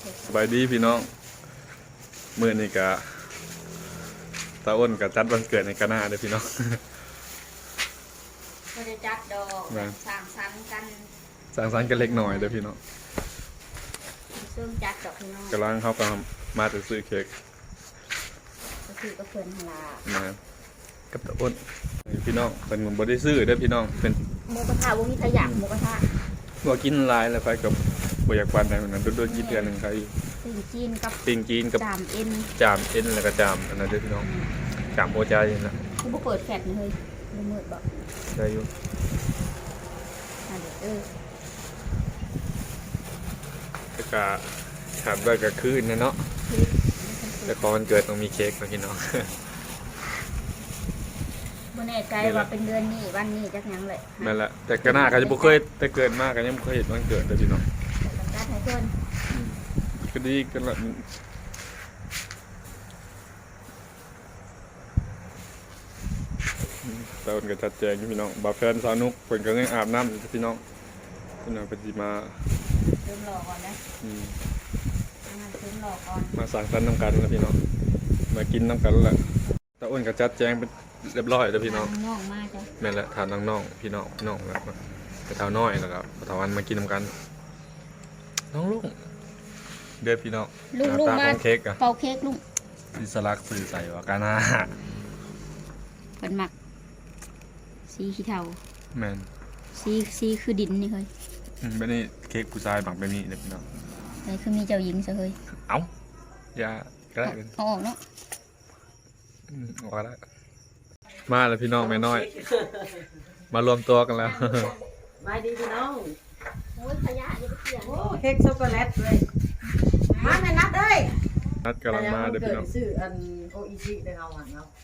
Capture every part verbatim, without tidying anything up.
สบายดีพี่น้องมื้อนี้ก็ตาอ้นก็จัดวันเกิดในกะหน้าเด้อพี่น้องก็จะจัดดอกสร้างสรรค์กันสร้างสรรค์กันเล็กน้อยเด้อพี่น้องซึ่งจัดดอกพี่น้องกำลังเข้าก็มาจะซื้อเค้กก็คือก็เพิ่นหลานะกับตาอ้นพี่น้องเป็นบ่ได้ซื้อเด้อพี่น้องเป็นหมูกระทะบ่มีขยะหมูกระทะบ่กินหลายแล้วไปกับบ่อยากปานใดนั้นโดนๆกินเทื่อนึงใครปิ้งจีนกับปิ้งจีนกับจามเอ็นจามเอ็นแล้วก็จามอันนั้นเด้อพี่น้องจามโอใจน่ะกูบ่เปิดแฟลชนี่เฮ้ยบ่มืดบ่ได้อยู่อันเด้อเออแต่ก็ถามว่าก็คืนนะเนาะแต่พอวันเกิดต้องมีเค้กนะพี่น้องบ่แน่ใจว่าเป็นเดือนนี้วันนี้จักหยังเลยนั่นแหละแต่ก็น่าก็จะบ่เคยแต่เกิดมากก็ยังบ่เคยเห็นวันเกิดเลยพี่น้องจัดให้เพิ่นก็ดีกันละตอนก็จัดแจงพี่น้องบ่าวแฟนสาวนุกเพิ่นก็ยังอาบน้ำอยู่พี่น้องพี่น้องเพิ่นสิมาเริ่มรอก่อนนะอืมเริ่มรอก่อนมาสั่งสรรค์นำกันแล้วพี่น้องมากินนำกันแล้วตาอ้นก็จัดแจงเป็นเรียบร้อยแล้วพี่น้องน้องมาจ้ะแม่นแหละทานน้องๆพี่น้องน้องแล้วไปเท่าน้อยแล้วก็เท่าวันมากินนำกันน้องลุงเด้อพี่น้องลุงลุงมาเค้กอะเป่าเค้กลุงดิสลักสื่อใส่ว่ากาหน้าเป็นหมักสีขี้เทาแมนสีสีคือดินนี่เคยไม่ได้เค้กผู้ชายหมักแบบนี้เลยพี่น้องไอ้คือมีเจ้าหญิงซะเคยเอ้าอย่าก็ได้เอาออกเนาะออกแล้วมาแล้วพี่น้องแม่น้อยมารวมตัวกันแล้วมาดีพี่น้องโอ้ยขยะอย่าไปเกี่ยงโอ้เค้กช็อกโกแลตเลยมาแม่นัดเอ้ยนัดกำลังมาเด้อพี่น้องซื้ออันโออิชิได้เอาอันเนาะ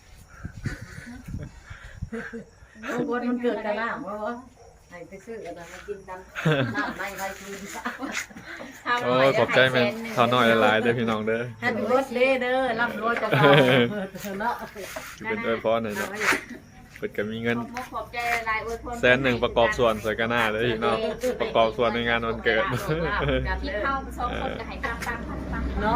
โอ้บนมันเกิดกันแล้วว่าว่าให้ไปซื้อกันมากินกันน้ำไม่ใครกินซะโอ้ขอบใจแม่ทอน้อยหลายๆเด้อพี่น้องเด้อแฮปปี้เบิร์ธเดย์เด้อรับรวยกับเราเนาะเป็นอวยพรหน่อยเนาะเปิดก็มีเงินแสนหนึ่งประกอบส่วนใส่กระหน้าเลยพี่น้องประกอบส่วนในงานวันเกิดที่เข้าสองคนจะให้ตามตามตามเนาะ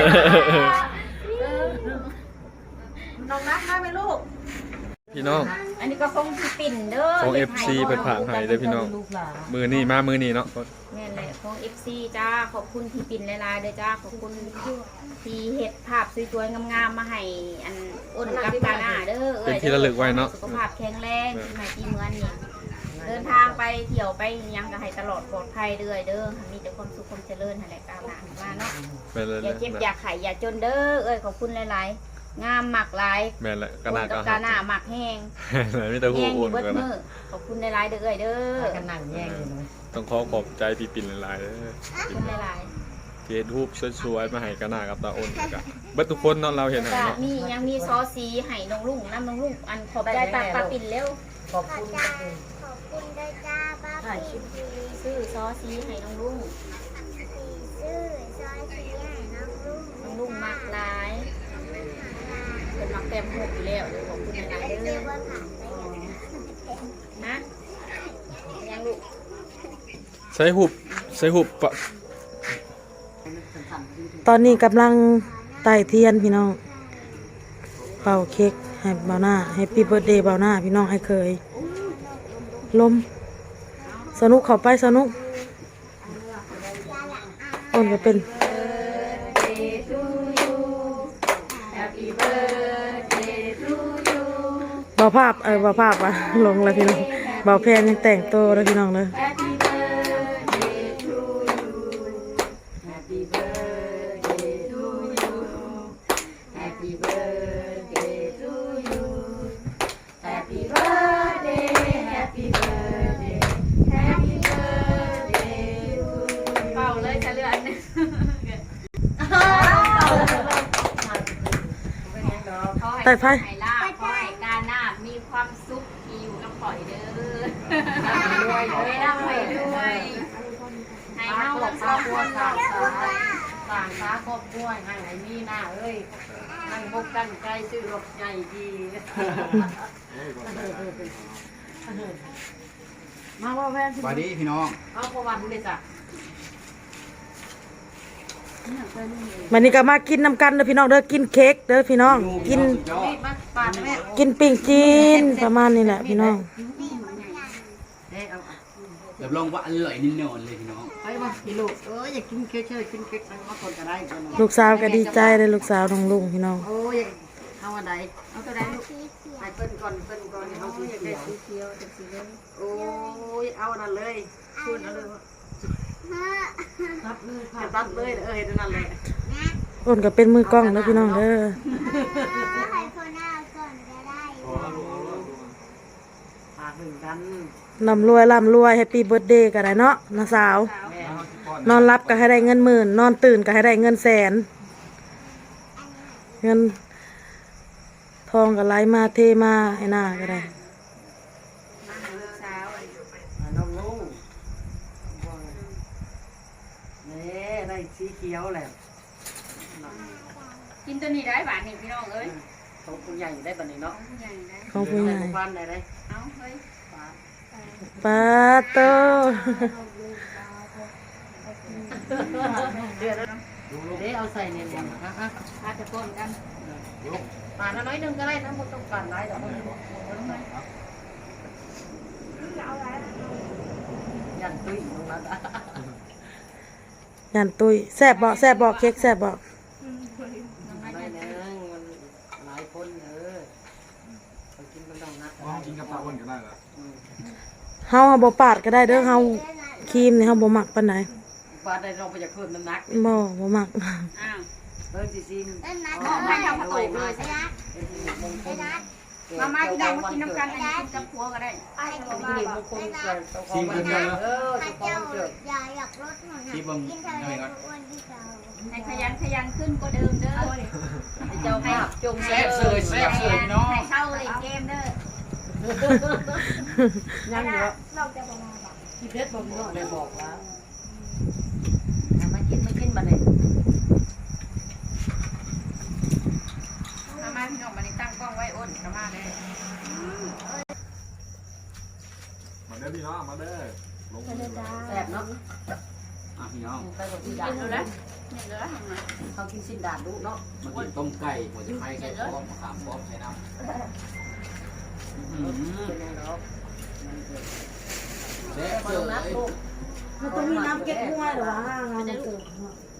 น้องนัดมาไหมลูกพี่น้องอันนี้ก็คงที่ปิ่นเด้อของ เอฟ ซี เป็นผ่านไห้เด้อพี่น้องมือนี่มามือนี่เนาะแม่นแหละของ เอฟ ซี จ้าขอบคุณที่ปิ่นหลายๆเด้อจ้าขอบคุณที่เฮ็ดภาพสวยๆงามๆมาให้อันอ้นกับกาหน้าเด้อเป็นที่ระลึกไว้เนาะสุขภาพแข็งแรงที่ไหนที่เมืองนี่เดินทางไปเที่ยวไปยังก็ให้ตลอดปลอดภัยเด้อเด้อมีแต่ความสุขความเจริญนั่นแหละกาหน้ามาเนาะอย่าเจ็บอย่าไข้อย่าจนเด้อเอ้ยขอบคุณหลายๆงามหมักหลายแม่นแหละกาหน้าก็กาหน้าหมักแห้งไม่ต้องพูดอุ่นกันนะขอบคุณหลายๆเด้อเอ้ยเด้อกันนั่งแย่งเลยต้องขอขอบใจพี่ปิ่นหลายๆเด้อขอบคุณหลายๆเกดรูปสวยๆมาให้กาหน้ากับตาอ้นกันเบิดทุกคนเนาะเราเห็นเนาะมียังมีซอสีให้น้องลุงน้ำน้องลุงอันขอบใจตาปลาปิ่นเร็วขอบคุณขอบคุณได้จ้าป้าปิ่นซื้อซอสีให้น้องลุงซื้อซอสีให้น้องลุงน้องลุงมักหลายเป็นมักเต็มหกอยู่แล้วขอบคุณหลายเด้อนะยังลูกใส่หุบใส่หุบปะตอนนี้กำลังไต่เทียนพี่น้องเป่าเค้กให้เบาหน้าให้ปีเบิร์ดเดย์เบาหน้าพี่น้องให้เคยลมสนุกเข้าไปสนุกอ่อนก็เป็นเบาภาพเออเบาภาพอ่ะลงแล้วพี่น้องเบาแพนยังแต่งตัวแล้วพี่น้องเลยไต่ไฟขอให้กาหน้ามีความสุขที่อยู่กับข่อยเด้อรวยรวยร่ำรวยรวยให้เฮาครอบครัวสร้างสร้างสาครอบครัวให้ให้มีหน้าเอ้ยนั่งบกกันใจซื้อรถใหญ่ดีมาว่าแฟนสวัสดีพี่น้องเอาประวันเลยจ้ะวันนี้ก็มากินน้ำกันเด้อพี่น้องเด้อกินเค้กเด้อพี่น้องกินมาปาดแม่กินปิ้งจีนประมาณนี้แหละพี่น้องเด้เอารับรองว่าอร่อยแน่นอนเลยพี่น้องไปมาพี่ลูกเอออยากกินเค้กเชยกินเค้กมาคนก็ได้ลูกสาวก็ดีใจเลยลูกสาวน้องลุงพี่น้องโอ้ยเอาอันใดเอาตัวใดลูกให้เปิ้นก่อนเปิ้นก่อนเอาสีเขียวสีเขียวสีเหลืองโอ้ยเอาอันนั้นเลยคุณเอาเลยตัดเลยตัดเลยเออเห็นนั่นเลยอ้นก็เป็นมือกล้องแล้วพี่น้องเด้อปากหนึ่งกันร่ำรวยร่ำรวยแฮปปี้เบิร์ดเดย์กันได้เนาะน้าสาวแม่นอนรับก็ให้ได้เงินหมื่นนอนตื่นก็ให้ได้เงินแสน เงินทองก็ไหลมาเทมาให้หน้าก็ได้น้องลุงนี่ได้สีเขียวแหละกินตัวนี้ได้บาทนี่พี่น้องเอ้ยของคุณใหญ่ได้บัดนี้เนาะใหญ่ได้ของผู้ใหญ่บ้านได้ได้เอาเฮ้ยปาโตเดือดแล้วเดี๋ยวเอาใส่เนี่ยเนี่ยฮะฮะอาจจะป้นกันปาดน้อยนึงก็ได้ทั้งหมดต้องการได้ดอกยันตุ้ยตรงนั้นอ่ะยันตุยแซ่บบอกแซ่บบอกเค้กแซ่บบอกน้อยนึงมันหลายคนเออไปกินมันต้องนัดว่ากินกับปลาอ้วนก็ได้ละเฮาบ่ปาดก็ได้เด้อเฮาครีมนี่เฮาบ่มักปานใดปาดได้ลองไปจากเพิ่มน้ำหนักบ่บ่มักอ้าวเพิ่มซีซีมน้องให้ทำกระตุกเลยสิมามาที่ได้มากินน้ำกันอันนี้กินกับพัวก็ได้ที่นี่มันคงเกิดต้องของมันเออต้องของมันเกิดอย่าอยากลดหน่อยนะกินเท่าไรก็อ้วนที่เราให้ขยันขยันขึ้นกว่าเดิมเด้อเจ้าภาพจงแซ่บเสยแซ่บเสยพี่น้องให้เข้าเลยเกมเด้อยังเยอะเราจะประมาณแบบที่เพชรบอกพี่น้องได้บอกแล้วมากินมากินบัดนี้มามาพี่น้องมาในตั้งกล้องไว้อ้นกระมาเลยมาเด้อพี่น้องมาเด้อลงมือแซ่บเนาะอ่ะพี่น้องไปกับที่ดากิดนดูแล้นะวเนี่ยเหลือทำไงเขากินสิ้นดาดดูเนาะมากินต้มไก่หัวจะไข่ใส่พร้อมมะขามพร้อมใส่น้ำอื้อหือเป็นไงเนาะแซ่บมาเสลงนัดยลูกมันต้องมีน้ำเก็บห้วยหรอวะงานมันเกิด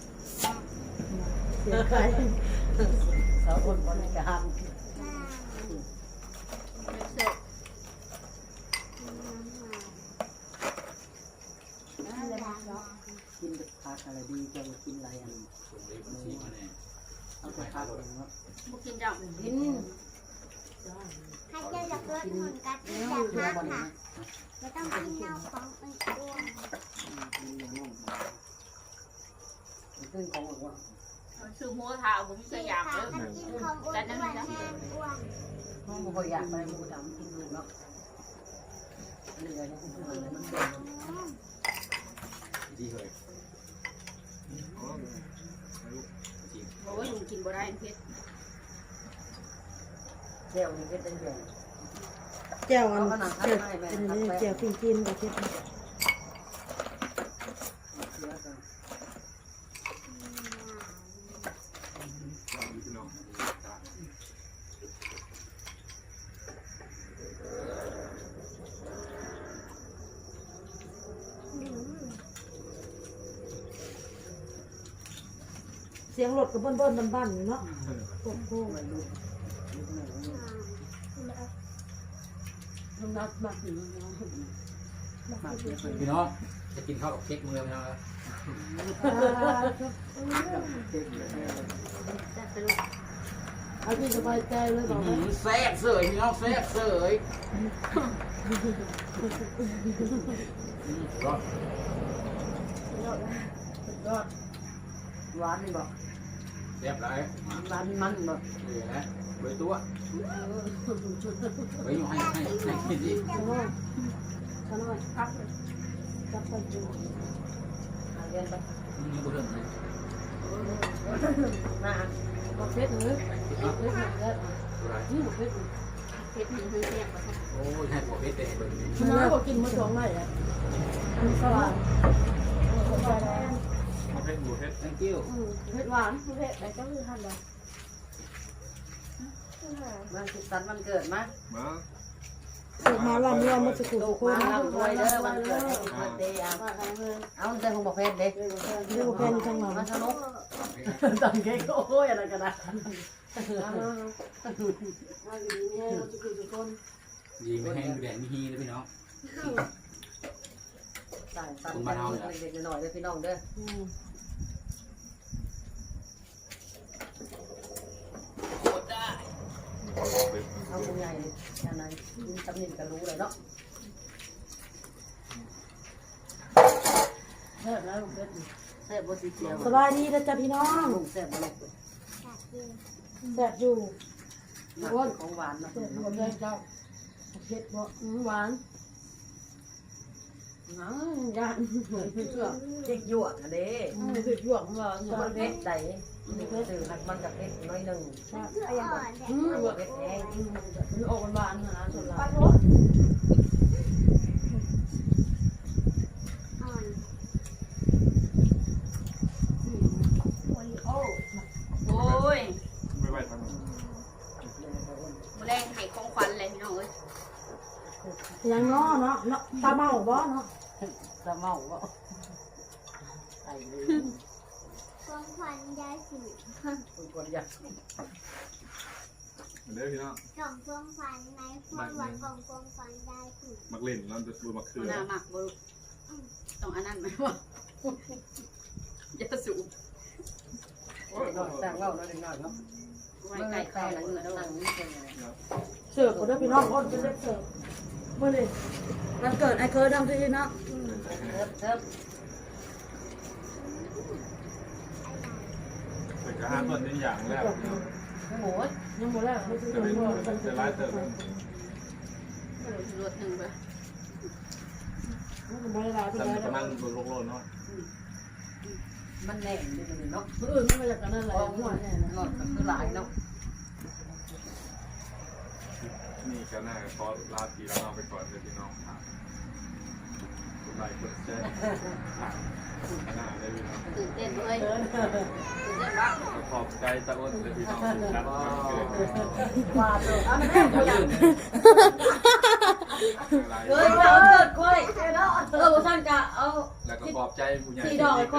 เสียใจสาวคนบริการเสร็จกินผักอะไรดีจะกินอะไรอันส่งเลยบัญชีมาเนี่ยเอาแต่ผักเองเนาะบุกินจังกินให้เจ้าอยากลดหุ่นกัดที่เนื้อจะเนื้อพักบนค่ะนี้ไม่ต้องกินเน่าของอ้วนขึ้นของอ้วนซื้อหัวเท้าผมจะอยากค่ะเด้อถ้ากินของอ้วนอ้วนแห้งอ้วนห้องบ่อยากไปหมูดำกินดูเนาะเหนื่อยนะคุณผู้ชมมันเบื่อดีเลยโอ้ยลุงกินบ่ได้เพชรเดี๋ยวนี้ก็เป็นเดือนแจ่วอันเจ็บเป็นนี่แจ่วปิ้งจีนกับเค้กเชื้อกันพี่น้องเสียงรถก็เบิ้นๆบ้านๆอยู่เนาะโอ้โหไม่รู้น้ำหนักมากอยู่น้องมากเยอะเลยพี่น้องจะกินข้าวกับเค้กมือพี่น้องครับเจ็บเลยเอาที่สบายใจเลยบอื้ออก หือแซ่บเสยพี่น้องแซ่บเสยอืมรอดหวานนี่บอกแซ่บไรหวานมันบอกเหลือนะเบยตัวเบยอยู่ให้ให้ให้กินดิขน้อยขน้อยครับจับไปดูเรียนไปอืมนี่กูเริ่มเลยนะบอกเพชรหรือเพชรหรืออะไรนี่บอกเพชรเพชรมีเพื่อนแยกมาโอ้ยให้หัวเพชรเต็มเลยมันน้อยกว่ากินมาสองไร่อ่ะอันสว่างมาเพผ็ดบูเผ็ด thank you เผ็ดหวานเผ็ดอะไรก็คือทำเลยมันสุดสันต์มันเกิดมามาเกิดมาลำรวมมาสุขุมลูทุกกคมาน ลำรวยเด้อมันเกิดให้เกิดเดย์เอาเอาเดินของบอกเพชรเด้เรียกว่าแพนจังหวะมาสนุกตังเค้กโอ้ยอะไรกันนะดีไม่แห้งแดดมีฮีเลยพี่น้องใส่ตันเล็กๆหน่อยๆเลยพี่น้องเด้อเอาคุณใหญ่ยังไงจำนินก็รู้เลยเนาะเซ่บแล้วลุงเพชรเซ่บบนสีเขียวสบายดีนะจ๊ะพี่น้องลุงเซ่บมาลูกแซ่บอยู่อ้วนของหวานนะแซ่บอยู่กับแม่เจ้าเผ็ดบ่หวานน้ำยานเผ็ดเชื่อเด็กหยวกเด้เผ็ดหยวกหวานมันเผ็ดใจสื่อมันกับเผ็ดน้อยหนึ่งอืมมันเผ็ดแห้งมันออกหวานนะส่วนหลายโอ้ยไม่ไหวทางนั้นมื้อแรงให้ของขวัญเลยพี่น้องเอ้ยยังง้อเนาะเนาะตาเมาบ่เนาะจะเมาบ่ใส่เลยของขวัญยายสิคุณกดอยากเด้อพี่น้องกล่องของขวัญในความหวังของของขวัญยายสิมักเล่นแล้วจะดูมักเขือหน้าหมักบ่ลูกต้องอันนั้นไหมวะอย่าสูบหน่อยแต่งเล่าหน่อยหน่อยเนาะไว้ไก่ไก่ละเงือนั่งนี่เป็นไงเสิร์ฟก็ได้พี่น้องคนเป็นเด็กเสิร์ฟเมื่อนี้วันเกิดไอ้เคยทำที่นะเทิบเทิบแต่ก็ห้ามต้นนี้อย่างแรกหมูยังหมดแล้วไม่ซื้อจะเลเป็นยจะร้ายเติมรถหนึ่งไปไม่ได้ร้ายไปแต่แล้วประมาณโลโลโลเนาะมันแน่นนิดนึงเนาะเออไม่มาจากกันนั่นแหละเพราะหัวว่าเนี่ยหน่อยก็คือหลายเนาะนี่ก็น่าขอลาทีแล้วเอาไปก่อนเลยพี่น้องครับคุณไลค์กดแชร์หน้าเลยพี่น้องตื่นเต้นเลยตื่นเต้นปะขอบใจตะอ้นเลยพี่น้องครับเกิดว่าตัวอันแม่ก็อยากอะไรเฮ้ยเราเกิดกล้วยเนาะเออท่านกะเอาแล้วก็ขอบใจผู้ใหญ่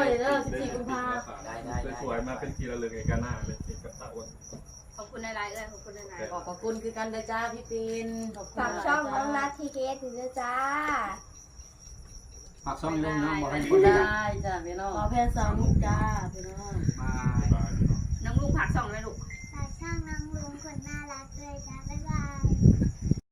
สวยมาเป็นทีละเรื่องเอกหน้าเลยที่กับตะอ้นขอบคุณในไลน์เอ้ยขอบคุณในไลน์ขอบคุณคือกันเด้อจ้าพี่ปินฝากช่องน้องนัททีเคสด้วยจ้าฝากช่องนี้ด้วยน้องบอกให้คคนนได้ได้จ้าพี่น้องขอแพนสาวมุกจ้าพี่น้อง